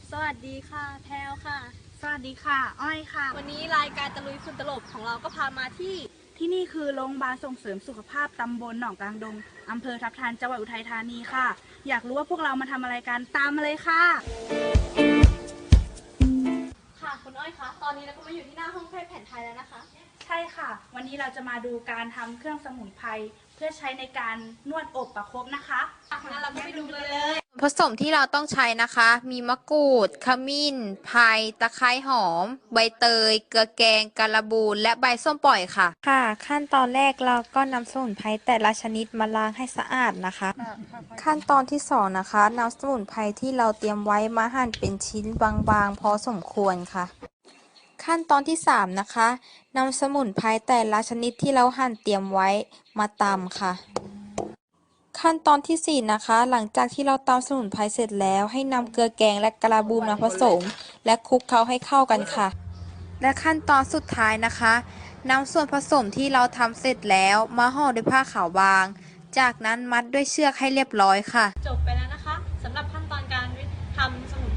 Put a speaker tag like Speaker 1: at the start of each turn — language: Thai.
Speaker 1: สวัสดีค่ะแพลวค่ะ
Speaker 2: สวัสดีค่ะอ้อยค่ะ
Speaker 1: วันนี้รายการตะลุยฝุ่นตลบของเราก็พามาที่
Speaker 2: ที่นี่คือโรงพยาบาลส่งเสริมสุขภาพตำบลหนองกลางดงอำเภอทับทันจังหวัดอุทัยธานีค่ะอยากรู้ว่าพวกเรามาทำอะไรกันตามมาเลยค่ะ
Speaker 1: ค่ะคุณอ้อยคะตอนนี้เราก็มาอยู่ที่หน้าห้องแพทย์แผนไทยแล้วนะคะ
Speaker 2: ใช่ค่ะวันนี้เราจะมาดูการทำเครื่องสมุนไพรเพื่อใช้ในการนวดอบประคบนะคะ
Speaker 1: งั้นเราก็ไปดูกันเลย
Speaker 3: ผสมที่เราต้องใช้นะคะ มีมะกรูด ขมิ้นไพรตะไคร้หอม ใบเตย เกลือแกงการบูนและใบส้มปล่อยค่ะ
Speaker 4: ค่ะขั้นตอนแรกเราก็นำสมุนไพรแต่ละชนิดมาล้างให้สะอาดนะคะ ขั้นตอนที่2นะคะนำสมุนไพรที่เราเตรียมไว้มาหั่นเป็นชิ้นบางๆพอสมควรค่ะ ขั้นตอนที่3นะคะนำสมุนไพรแต่ละชนิดที่เราหั่นเตรียมไว้มาตำค่ะ ขั้นตอนที่4นะคะหลังจากที่เราตำสมุนไพรเสร็จแล้วให้นำเกลือแกงและกระบูมมาผสม และคลุกเคล้าให้เข้ากันค่ะ และขั้นตอนสุดท้ายนะคะนำส่วนผสมที่เราทำเสร็จแล้วมาห่อด้วยผ้าขาวบาง จากนั้นมัดด้วยเชือกให้เรียบร้อยค่ะ
Speaker 1: จบไปแล้วนะคะสำหรับขั้นตอนการทำสมุน